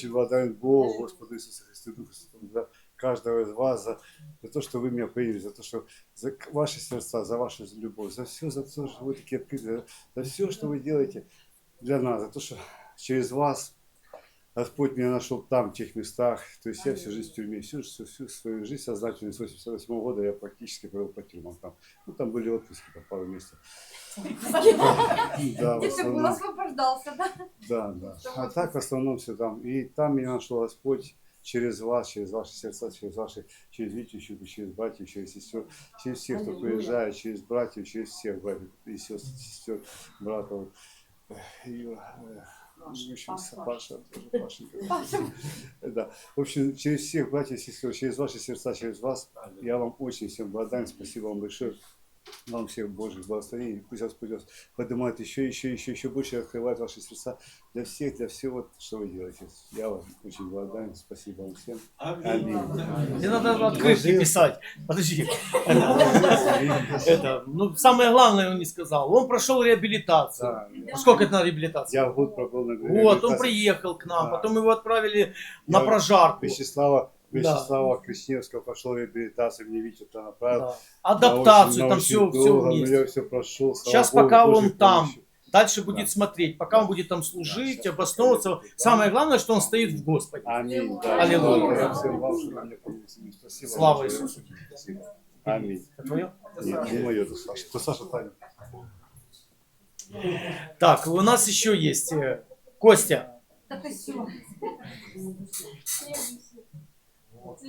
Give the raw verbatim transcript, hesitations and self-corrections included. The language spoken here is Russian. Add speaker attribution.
Speaker 1: очень благодарен Богу, Господу Иисусу Христу, Духу Святому, за каждого из вас, за, за то, что вы меня приняли, за то, что за ваши сердца, за вашу любовь, за все, за то, что вы такие открытые, за все, что вы делаете для нас, за то, что через вас Господь меня нашел там, в тех местах. То есть я всю жизнь в тюрьме, всю, всю, всю свою жизнь сознательную, с восемьдесят восьмого года я практически провел по тюрьмам там. Ну, там были отпуски, там пару месяцев. Да, в основном.
Speaker 2: Освобождался, да?
Speaker 1: Да, да. А так в основном все там. И там меня нашел Господь через вас, через ваши сердца, через ваши, через Витю, через братьев, через сестер, через всех, кто приезжает, через братьев, через всех братьев и сестер, сестер братов. И, в общем, Паша, тоже Пашенька. Да. В общем, через всех братьев и сестер, через ваши сердца, через вас, я вам очень всем благодарен. Спасибо вам большое. Вам всех Божьих благословений. Пусть Господь вас поднимает еще, еще, еще, еще больше, открывает ваши сердца для всех, для всего, что вы делаете. Я вам очень благодарен. Спасибо вам всем. Аминь.
Speaker 3: Не надо открытки писать. Подожди. Это, ну, самое главное он не сказал. Он прошел реабилитацию.
Speaker 1: Да,
Speaker 3: Сколько это на реабилитацию?
Speaker 1: я год пробыл на
Speaker 3: Вот, он приехал к нам,
Speaker 1: Да.
Speaker 3: потом его отправили на
Speaker 1: Я
Speaker 3: прожарку.
Speaker 1: Вячеслава, Вячеслава Кричневского пошел реабилитацию, мне Витя туда направил.
Speaker 3: Да. Адаптацию,
Speaker 1: На
Speaker 3: там
Speaker 1: очень
Speaker 3: все,
Speaker 1: долго,
Speaker 3: все
Speaker 1: но
Speaker 3: вместе.
Speaker 1: я все прошел. слава
Speaker 3: Сейчас
Speaker 1: Богу,
Speaker 3: пока
Speaker 1: Божьей
Speaker 3: он там,
Speaker 1: помощью.
Speaker 3: дальше будет
Speaker 1: Да.
Speaker 3: смотреть, пока он
Speaker 1: Да.
Speaker 3: будет там служить,
Speaker 1: Да, сейчас
Speaker 3: обосновываться.
Speaker 1: пока я-
Speaker 3: Самое главное, что он стоит в Господе.
Speaker 1: Аминь. Да,
Speaker 3: Аллилуйя.
Speaker 1: благодарю всем вам, что вы меня помните. Спасибо.
Speaker 3: Слава
Speaker 1: большое.
Speaker 3: Иисусу.
Speaker 1: Спасибо. Аминь.
Speaker 3: Это твое?
Speaker 1: Нет, не мое, это Саша. Это Саша Таня.
Speaker 3: Так, у нас еще есть э, Костя.
Speaker 2: Это все.